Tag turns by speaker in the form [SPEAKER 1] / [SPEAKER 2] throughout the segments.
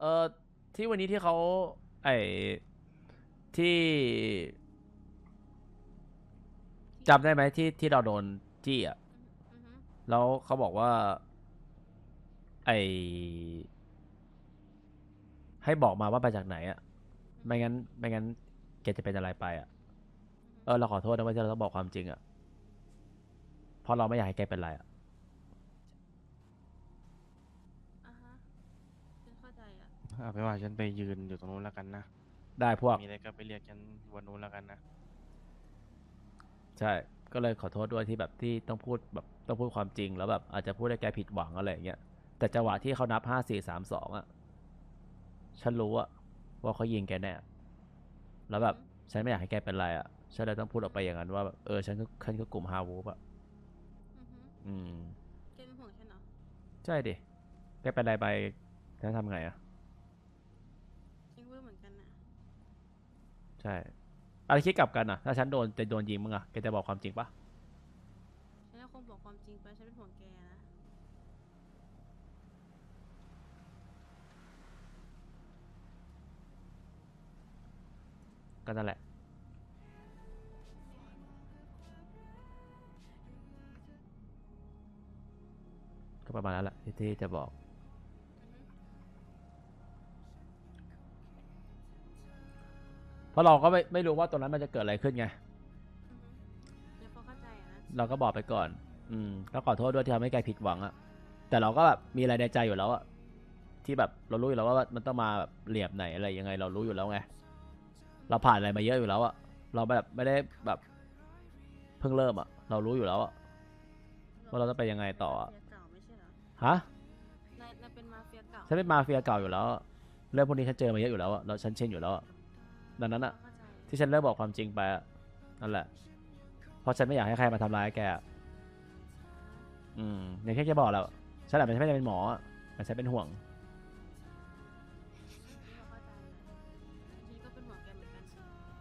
[SPEAKER 1] อที่วันนี้ที่เขาไอ้ที่จำได้ไหมที่เราโดนจี้อ่ะ
[SPEAKER 2] อือฮึ
[SPEAKER 1] แล้วเขาบอกว่าไอ้ให้บอกมาว่าไปจากไหนอ่ะ
[SPEAKER 2] อือฮึ
[SPEAKER 1] ไม่งั้นแกจะเป็นอะไรไปอ่ะ
[SPEAKER 2] อือฮึ
[SPEAKER 1] เราขอโทษนะว่าที่เราต้องบอกความจริงอ่ะเพราะเราไม่อยากให้แกเป็นไรอ่ะ
[SPEAKER 2] อ่ะฮะฉันเข้าใจอ่ะ
[SPEAKER 3] เอาไปนว่าฉันไปยืนอยู่ตรงนู้นแล้วกันนะ
[SPEAKER 1] ได้พวก
[SPEAKER 3] มีอะไรก็ไปเรียกฉันวันนู้นแล้วกันนะ
[SPEAKER 1] ใช่ก็เลยขอโทษด้วยที่แบบที่ต้องพูดแบบต้องพูดความจริงแล้วแบบอาจจะพูดให้แกผิดหวังอะไรอย่างเงี้ยแต่จังหวะที่เขานับ5 4 3 2อ่ะฉันรู้อะว่าเขายิงแกแน่ แล้วแบบ
[SPEAKER 2] อือฮึ
[SPEAKER 1] ฉันไม่อยากให้แกเป็นไรอ่ะฉันเลยต้องพูดออกไปอย่างนั้นว่าแบบฉันก็กลุ่มฮาวูฟอ่ะ
[SPEAKER 2] อือฮึ
[SPEAKER 1] อืม
[SPEAKER 2] แกเป็นห่วงฉันเหรอ
[SPEAKER 1] ใช่ดิแกเป็นไรไปฉันทำไงอ่ะ
[SPEAKER 2] ฉันก็รู้เหมือนกันน่ะ
[SPEAKER 1] ใช่อะไรคิดกลับกันอ่ะถ้าฉันจะโดนยิงมึงอ่ะแกจะบอกความจริงปะ
[SPEAKER 2] ฉันก็คงบอกความจริงไปฉันเป็นห่วงแกนะ
[SPEAKER 1] ก็นั่นแหละก็ประมาณนั้นแหละที่จะบอก
[SPEAKER 2] อือฮึ
[SPEAKER 1] เพราะเราก็ไม่รู้ว่าตรงนั้นมันจะเกิดอะไรขึ้นไง
[SPEAKER 2] อือฮึเดี๋ยวพอเข้าใจอ่ะนะ
[SPEAKER 1] เราก็บอกไปก่อนก็ขอโทษด้วยที่ทำให้แกผิดหวังอ่ะแต่เราก็แบบมีอะไรในใจอยู่แล้วอ่ะที่แบบเรารู้อยู่แล้วว่ามันต้องมาแบบเหลี่ยมไหนอะไรยังไงเรารู้อยู่แล้วไง
[SPEAKER 2] อือฮึ
[SPEAKER 1] เราผ่านอะไรมาเยอะอยู่แล้วอ่ะเราแบบไม่ได้แบบ เพิ่งเริ่มอ่ะเรารู้อยู่แล้วอ่ะว่าเราจะไปยังไง
[SPEAKER 2] นายเป็น
[SPEAKER 1] ต่ออะ
[SPEAKER 2] มาเฟียเก่าไม่ใช่เหรอ
[SPEAKER 1] ฮะ
[SPEAKER 2] นายเป็นมาเฟียเก่า
[SPEAKER 1] ฉันเป็นมา
[SPEAKER 2] ไม่ใช่เหรอ
[SPEAKER 1] เฟียเก่าอยู่แล้วเรื่องพวกนี้ฉันเจอมาเยอะอยู่แล้วแล้วฉันชินอยู่แล้วดังนั้นอ่ะ
[SPEAKER 2] พอเข้าใจ
[SPEAKER 1] ที่ฉันเริ่มบอกความจริงไปนั่นแหละเพราะฉันไม่อยากให้ใครมาทำร้ายแก
[SPEAKER 2] อ่าฮะ
[SPEAKER 1] อย่างที่แกบอกแล้วฉันอาจจะไม่ได้เป็นหมอแต่ฉันเป็นห่วง
[SPEAKER 2] ฉันพอเข้าใจนะฉันก็เป็นห่วงแกเหมือนกัน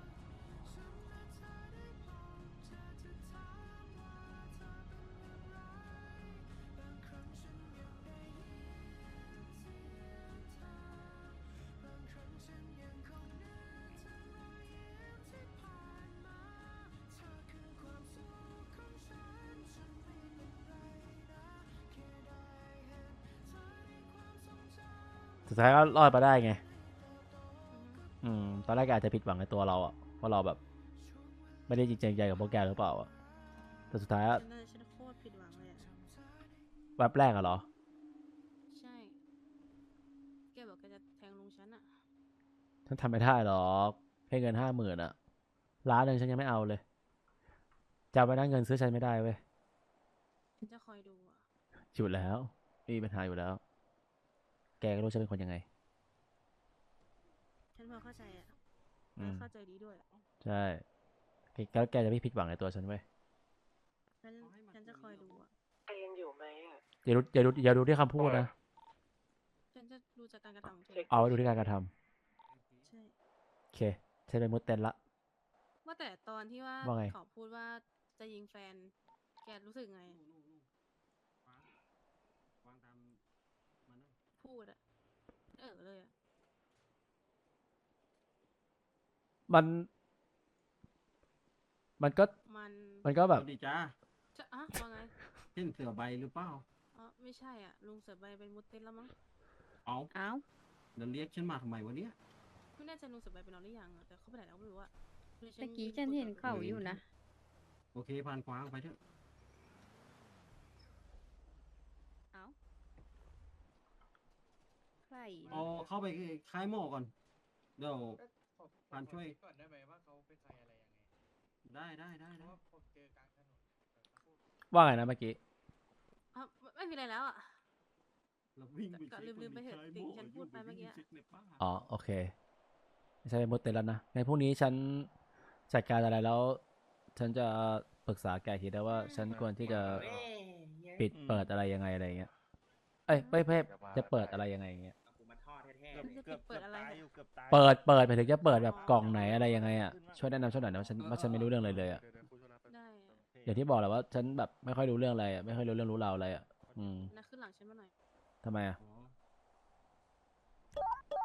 [SPEAKER 1] สุดท้ายก็รอดมาได้ไง
[SPEAKER 2] อือฮึ
[SPEAKER 1] ตอนแรกอาจจะผิดหวังในตัวเราอ่ะว่าเราแบบไม่ได้จริงใจกับพวกแกหรือเปล่าแต่สุดท้าย
[SPEAKER 2] ฉันโคตรผิดหวังเลยอ่ะ
[SPEAKER 1] แวบแรกอะเหรอ
[SPEAKER 2] ใช่แกบอกแกจะแทงลุงฉันอ่ะ
[SPEAKER 1] ฉันทำไม่ได้หรอกให้เงิน50,000อะ1,000,000ฉันยังไม่เอาเลยจะเอาไปได้เงินซื้อฉันไม่ได้เว้ย
[SPEAKER 2] ฉันจะคอยดูอ่ะ
[SPEAKER 1] อยู่แล้วไม่มีปัญหาอยู่แล้ว แกก็รู้ฉันเป็นคนยังไง
[SPEAKER 2] ฉันพอเข้าใจอ่ะ
[SPEAKER 1] อืม
[SPEAKER 2] เข้าใจดีด้วย
[SPEAKER 1] ใช่แล้วแกจะไม่ผิดหวังในตัวฉันเว้ย
[SPEAKER 2] ฉันฉันจะคอยดูอ่ะ
[SPEAKER 1] อย่าดูที่คำพูดนะ
[SPEAKER 2] ฉันจะดูจากการกระทำของเธอ
[SPEAKER 1] เอาไว้ดูที่การกระท
[SPEAKER 2] ใช่
[SPEAKER 1] ำโอเคฉันเป็นมุดเต้นละ
[SPEAKER 2] ว่าแต่ตอนที่ว่า
[SPEAKER 1] ว่าไง
[SPEAKER 2] เขาพูดว่าจะยิงแฟนแกรู้สึกไงพูดอะเลยอะ
[SPEAKER 1] มันมันก็
[SPEAKER 2] มัน
[SPEAKER 1] มันก็แบบ
[SPEAKER 4] สวัสดีจ้า
[SPEAKER 2] จะอะว่าไง
[SPEAKER 4] เช่นเสือใบหรือเปล่า
[SPEAKER 2] อ๋อไม่ใช่อ่ะลุงเสือใบเป็นมุดเต้นแล้วมั้ง
[SPEAKER 4] เอา
[SPEAKER 5] อ้าว
[SPEAKER 4] แล้วเรียกฉันมาทำไมวะเนี่ย
[SPEAKER 2] ไม่แน่ใจลุงเสือใบเป็นนอนหรือยังอะแต่เขาไปไหนแล้วไม่รู้อะคือฉัน
[SPEAKER 5] ตะกี้
[SPEAKER 2] ยืน
[SPEAKER 5] ฉันเห็น
[SPEAKER 2] คุยกับลุง
[SPEAKER 5] เขาอยู่นะ
[SPEAKER 4] โอเคผ่านขวางไปเถอะ
[SPEAKER 5] เอ้าใคร
[SPEAKER 4] เอา
[SPEAKER 5] นะ
[SPEAKER 4] เข้าไปคลายหม้อก่อนเดี๋ยว
[SPEAKER 6] ก็ขอ
[SPEAKER 4] ผ่านช่วย
[SPEAKER 6] คิดก่อนได้ไหมว่าเขาเป็นใครอะไรยังไงเพ
[SPEAKER 4] ได้
[SPEAKER 6] ราะว่าผมเจอกลางถนนแบบสักครู่
[SPEAKER 1] ว่าไงนะเมื่อกี้
[SPEAKER 2] อ๋อไม่มีอะไรแล้วอะ
[SPEAKER 4] เราวิ่งไป
[SPEAKER 2] ก็
[SPEAKER 4] เช็ค
[SPEAKER 2] ลืมไป
[SPEAKER 4] มันมีคลายห
[SPEAKER 2] เถอะสิ่ง
[SPEAKER 4] ม้อ
[SPEAKER 2] ที่ฉันพู
[SPEAKER 4] อยู่ไปวิ่ง
[SPEAKER 2] ดไปเมื่อกี้
[SPEAKER 4] เช็คในป้า
[SPEAKER 1] โอเคไม่ใช่เป็นมุดเต้นแล้วนะในพรุ่งนี้ฉันจัดการอะไรแล้วฉันจะปรึกษาแกทีได้ว่าฉันควรที่จะปิด
[SPEAKER 3] อืม
[SPEAKER 1] เปิดอะไรยังไงอะไรเงี้ยเอ้
[SPEAKER 2] อื
[SPEAKER 1] ย
[SPEAKER 2] ม
[SPEAKER 1] ไม่จะเปิดอะไรยังไงเงี้ย
[SPEAKER 2] ฉันจะปิดเปิดอะไรเนี่ย
[SPEAKER 1] เปิดไปถึงจะเปิด
[SPEAKER 2] อ๋อ
[SPEAKER 1] แบบกล่องไหนอะไรยังไงช่วยแนะนำช่วยหน่อยนะว่าฉันไม่รู้เรื่องเลย
[SPEAKER 2] ได้อะ
[SPEAKER 1] อย่างที่บอกแหละว่าฉันแบบไม่ค่อยรู้เรื่องอะไรไม่ค่อยรู้เรื่องรู้ราวอะไรอืม
[SPEAKER 2] นะขึ้นหลังฉันมาหน่อย
[SPEAKER 1] ทำไม
[SPEAKER 4] อ๋อ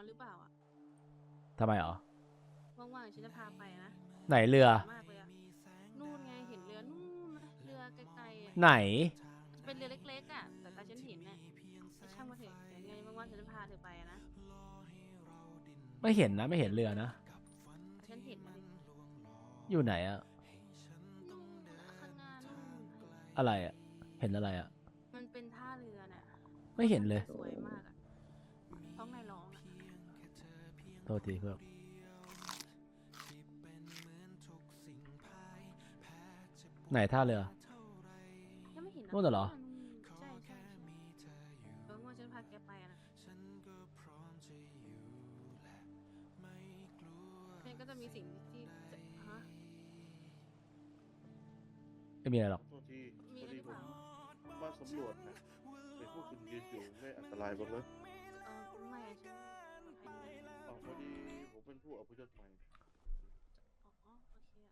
[SPEAKER 2] หรือเปล่าอ่ะ
[SPEAKER 1] ทำไมเหรอ
[SPEAKER 2] ว่างๆฉันจะพาไปนะ
[SPEAKER 1] ไหนเรือ
[SPEAKER 2] มากเลยอะนู่นไงเห็นเรือนู่นนะเรือไกลๆอะ
[SPEAKER 1] ไหน
[SPEAKER 2] เป็นเรือเล็กๆอ่ะแต่ตาฉันเห็นน่ะช่างมาเถอะเดี๋ยวไงว่างๆฉันจะพาเธอไปอะนะ
[SPEAKER 1] ไม่เห็นนะ ไม่เห็นเรือนะ
[SPEAKER 2] ฉันเห็นนะดิ
[SPEAKER 1] อยู่ไหนอะ
[SPEAKER 2] นู่นน่ะข้างหน้านู่นน่ะ
[SPEAKER 1] อะไรอะเห็นอะไรอะ
[SPEAKER 2] มันเป็นท่าเรือน่ะ
[SPEAKER 1] ไม่เห็นเลย
[SPEAKER 2] สวยมากอ่ะท้องนายร้องอ่ะ
[SPEAKER 1] โทษทีเพื่อน ไหนท่าเรือ
[SPEAKER 2] ยังไม่เห็นนะ
[SPEAKER 1] นู่นน่ะเหรอ
[SPEAKER 2] ใช่ใช่ว่างๆฉันพาแกไปอะนะมันก็จะมีสิ่งที่จะฮะ
[SPEAKER 1] ไม่มีอะไรหรอก
[SPEAKER 7] โทษที
[SPEAKER 2] มี
[SPEAKER 7] พ
[SPEAKER 2] อะ
[SPEAKER 7] อ
[SPEAKER 2] ไร
[SPEAKER 7] ดี
[SPEAKER 2] หรือ
[SPEAKER 7] ผ
[SPEAKER 2] เป
[SPEAKER 7] ม
[SPEAKER 2] ล่า
[SPEAKER 7] มาสำรวจนะเห็นพวกคุณยืนอยู่ไม่อันตรายบ้างเหรอ
[SPEAKER 2] ไม่อะฉันปลอดภัยดีนะ
[SPEAKER 7] อ๋อพอดีผมเป็นผู้อพยพใหม่
[SPEAKER 2] อ๋อโอเคอะ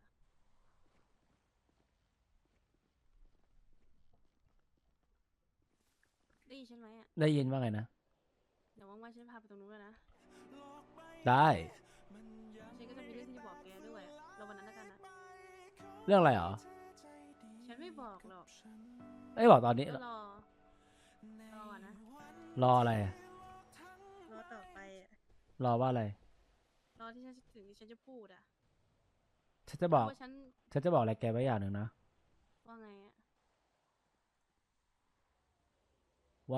[SPEAKER 2] ได้ยินฉันไหมอะ
[SPEAKER 1] ได้ยินว่าไงนะ
[SPEAKER 2] เดี๋ยวว่างๆฉันพาไปตรงนู้นเลยนะ
[SPEAKER 1] ได้
[SPEAKER 2] ฉันก็จะมีเรื่องที่จะบอกแกด้วยอะเราวันนั้นแล้วกันนะ
[SPEAKER 1] เรื่องอะไรเหรอ
[SPEAKER 2] ฉันไม่บอกหรอก
[SPEAKER 1] เอ้ยบอกตอนนี้
[SPEAKER 2] ก็รออะนะ
[SPEAKER 1] รออะไรอะ
[SPEAKER 2] รอต่อไปอะ
[SPEAKER 1] รอว่าอะไร
[SPEAKER 2] รอที่ฉันถึงที่ฉันจะพูดอะ
[SPEAKER 1] ฉันจะบอก
[SPEAKER 2] ว่าฉัน
[SPEAKER 1] ฉันจะบอกอะไรแกไว้อย่างหนึ่งนะ
[SPEAKER 2] ว่าไงอะ
[SPEAKER 1] ว่า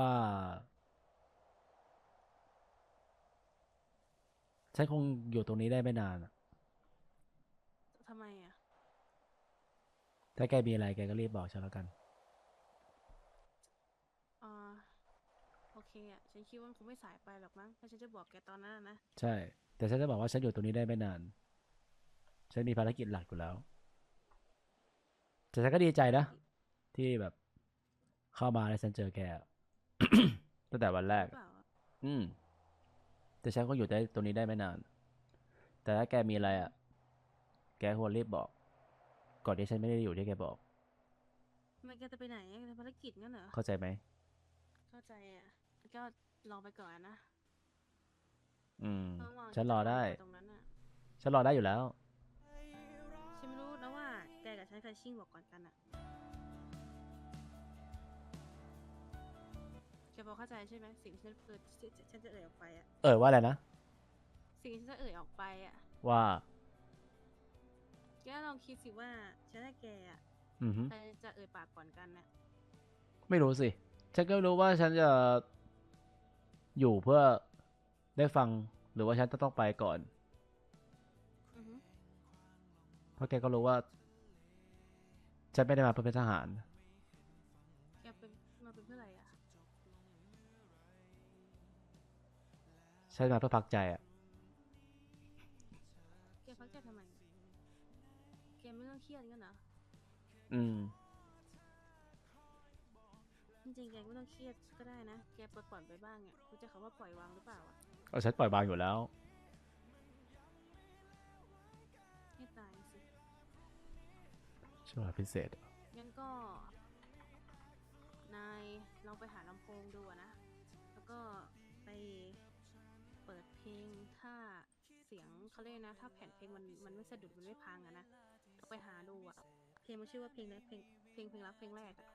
[SPEAKER 1] ฉันคงอยู่ตรงนี้ได้ไม่นานอะ
[SPEAKER 2] ทำไมอะ
[SPEAKER 1] ถ้าแกมีอะไรแกก็รีบบอกฉันแล้วกัน
[SPEAKER 2] อ่าโอเคอะฉันคิดว่ามันคงไม่สายไปหรอกมั้งถ้าฉันจะบอกแกตอนนั้นอะนะ
[SPEAKER 1] ใช่ แต่ฉันจะบอกว่าฉันอยู่ตรงนี้ได้ไม่นาน ฉันมีภารกิจหลักอยู่แล้ว แต่ฉันก็ดีใจนะ ที่แบบเข้ามาแล้วฉันเจอแก ตั้งแต่วันแร
[SPEAKER 2] ห
[SPEAKER 1] ก
[SPEAKER 2] รือเปล่าอะ
[SPEAKER 1] อืม แต่ฉันก็อยู่ได้ตรงนี้ได้ไม่นาน แต่ถ้าแกมีอะไรอ่ะ แกควรรีบบอก ก่อนที่ฉันไม่ได้อยู่ที่แกบอก
[SPEAKER 2] ทำไมแกจะไปไหนอะแกจะภารกิจงั้นเหรอ
[SPEAKER 1] เข้าใจไหม
[SPEAKER 2] เข้าใจอะก็ลองไปก่อนนะ
[SPEAKER 1] อืม
[SPEAKER 2] ว่างๆ
[SPEAKER 1] ฉันรอได้
[SPEAKER 2] ตรงนั้นอะ
[SPEAKER 1] ฉันรอได้อยู่แล้ว
[SPEAKER 2] ฉันไม่รู้นะว่าแกกับฉันใครชิ่งบอกก่อนกันอะแกพอเข้าใจใช่ไหมสิ่งที่ฉันจะเอ่ยออกไปอะ
[SPEAKER 1] ว่าอะไรนะ
[SPEAKER 2] สิ่งที่ฉันจะเอ่ยออกไปอะ
[SPEAKER 1] ว่า
[SPEAKER 2] แกลองคิดสิว่าฉันและแกอะ
[SPEAKER 1] อือฮึ
[SPEAKER 2] ใครจะเอ่ยปากก่อนกันน่ะ
[SPEAKER 1] ไม่รู้สิ ฉันก็ไม่รู้ว่าฉันจะอยู่เพื่อได้ฟัง หรือว่าฉันจะต้องไปก่อน
[SPEAKER 2] อือฮึ
[SPEAKER 1] เพราะแกก็รู้ว่า ฉันไม่ได้มาเพื่อเป็นทหาร
[SPEAKER 2] แกเป็นมาเป็นเพื่ออะไรอะ
[SPEAKER 1] ฉันมาเพื่อพักใจอ่ะ
[SPEAKER 2] แกพักใจทำไมอะแกไม่ต้องเครียดงั้นเหรอ
[SPEAKER 1] อืม
[SPEAKER 2] จริงๆแกไม่ต้องเครียดก็ได้นะ แกปล่อยไปบ้างอะรู้จักคำว่าปล่อยวางหรือเปล่าอะ
[SPEAKER 1] เอาฉันปล่อยวางอยู่แล้ว
[SPEAKER 2] ให้ตายสิ
[SPEAKER 1] ช่วงพิเศษ
[SPEAKER 2] งั้นก็ นายลองไปหาลำโพงดูอะนะ แล้วก็ไปเปิดเพลงถ้าเสียงเขาเรียกนะ ถ้าแผ่นเพลงมันไม่สะดุดมันไม่พังอะนะก็ไปหาดูอะเพลงมันชื่อว่าเพลงนะเพลงรักเพลงแรกอะ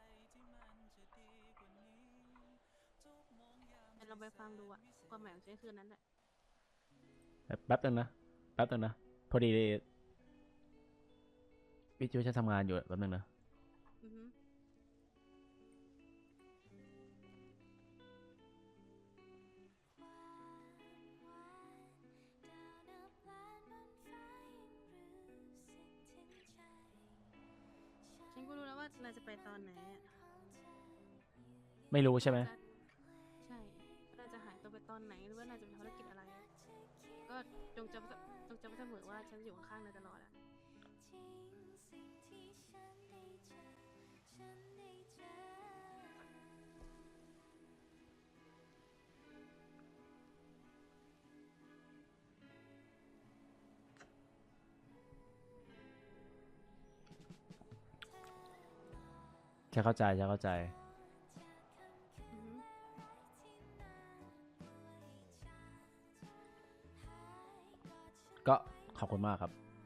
[SPEAKER 2] งั้นลองไปฟังดูอะความหมายของฉันคือนั้นแหละ
[SPEAKER 1] แป๊บนึงนะ แป๊บนึงนะ พอดีวิจูฉันทำงานอยู่แป๊บนึงนะ
[SPEAKER 2] อือฮึ ฉันก็รู้แล้วว่านายจะไปตอนไหนอะ
[SPEAKER 1] ไม่รู้ใช่ไหม
[SPEAKER 2] ใช่นายจะหายตัวไปตอนไหนหรือว่านายจะไปทำภารกิจอะไรอะก็จงจำไว้เสมอว่าฉันจะอยู่ข้างๆนายตลอดอะ
[SPEAKER 1] ฉันเข้าใจ ฉันเข้าใจ
[SPEAKER 2] อือฮึ
[SPEAKER 1] ขอบคุณมากครับ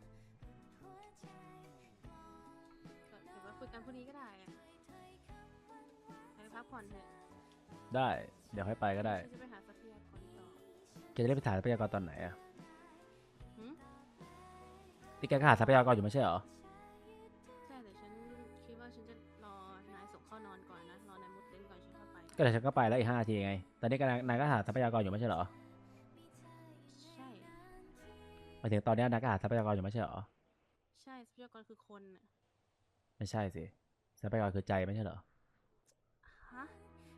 [SPEAKER 2] ก็เดี๋ยวมาคุยกันพรุ่งนี้ก็ได้อะไปพักผ่อนเถอะ
[SPEAKER 1] ได้ เดี๋ยวค่อยไปก็ได้
[SPEAKER 2] ฉันจะไปหาทรัพยากรต่อ
[SPEAKER 1] แกจะได้ไปถ่ายทรัพยากรตอนไหนอะ
[SPEAKER 2] หืม
[SPEAKER 1] ที่แกก็หาทรัพยากรอยู่ไม่ใช่เหรอ
[SPEAKER 2] ใช่แต่ฉันคิดว่าฉันจะรอนายส่งเข้านอนก่อนนะ รอนายมุดเต็นท์ก่อนฉันเข้าไป
[SPEAKER 1] ก็เดี๋ยวฉันก็ไปแล้วอีก5 นาทีไง ตอนนี้นายก็หาทรัพยากรอยู่ไม่ใช่เหรอ
[SPEAKER 2] ใช่
[SPEAKER 1] หมายถึงตอนนี้นายก็หาทรัพยากรอยู่ไม่ใช่เหรอ
[SPEAKER 2] ใช่ทรัพยากรคือคนน่ะ
[SPEAKER 1] ไม่ใช่สิ ทรัพยากรคือใจไม่ใช่เหรอ
[SPEAKER 2] ฮะ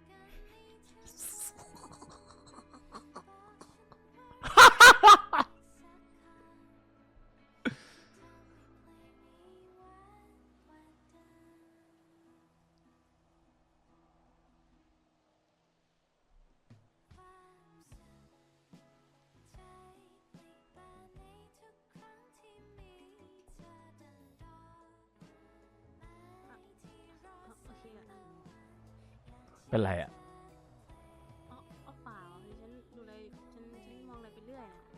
[SPEAKER 2] โอเคอะ
[SPEAKER 1] เป็นไรอะ
[SPEAKER 2] อ๋อเปล่าดิฉันดูอะไรฉันมองอะไรไปเรื่อยน่ะ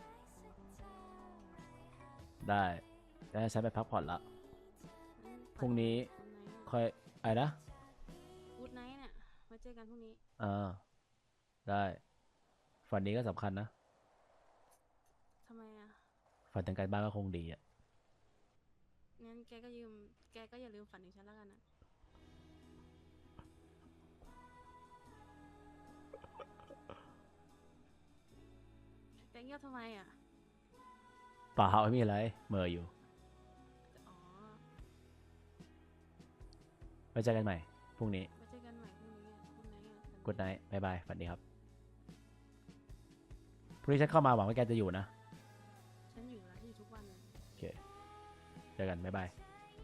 [SPEAKER 1] ได้แล้วฉันไปพักผ่อนละ พรุ่งนี้ ค่อยอะไรนะ
[SPEAKER 2] กูดไนท์เนี่ยมาเจอกันพรุ่งนี้
[SPEAKER 1] ได้ ฝันนี้ก็สำคัญนะ
[SPEAKER 2] ทำไมอ่ะ
[SPEAKER 1] ฝันถึงการบ้านก็คงดีอะ
[SPEAKER 2] งั้นแกก็อย่าลืมฝันถึงฉันแล้วกันนะแต่เงียบทำไมอ่ะ
[SPEAKER 1] เปล่าไม่มีอะไรเหม่ออยู่
[SPEAKER 2] อ๋อ
[SPEAKER 1] ไว้เจอกันใหม่ พรุ่งนี้
[SPEAKER 2] มาเจอกันใหม่พรุ่งนี้อ่ะคุณไหนอ่ะ
[SPEAKER 1] กูดไนท์บายบาย ฝันดีครับ พรุ่งนี้ฉันเข้ามาหวังว่าแกจะอยู่นะ
[SPEAKER 2] ฉันอยู่แล้วอยู่ทุกวันเลย
[SPEAKER 1] โอเค เจอกัน บ๊ายบาย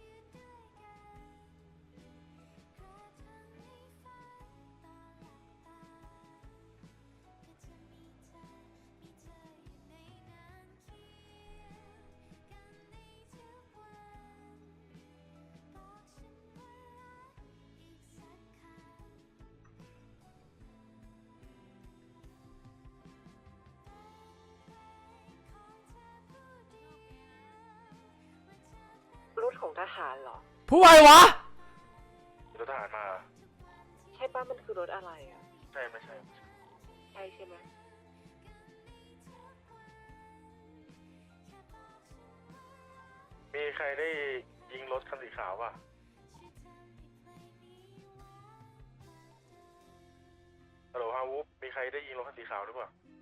[SPEAKER 8] รถของทหารเหรอ
[SPEAKER 1] ผู้ไววะ
[SPEAKER 7] รถทหารมา
[SPEAKER 8] ใช่ป้ามันคือรถอะไรอ่ะ
[SPEAKER 7] ใช่ไม่ใช่
[SPEAKER 8] ใช่ใช่ไหม
[SPEAKER 7] มีใครได้ยิงรถคันสีขาวป่ะฮัลโหลฮาวุบมีใครได้ยิงรถคันสีขาวหรือเปล่า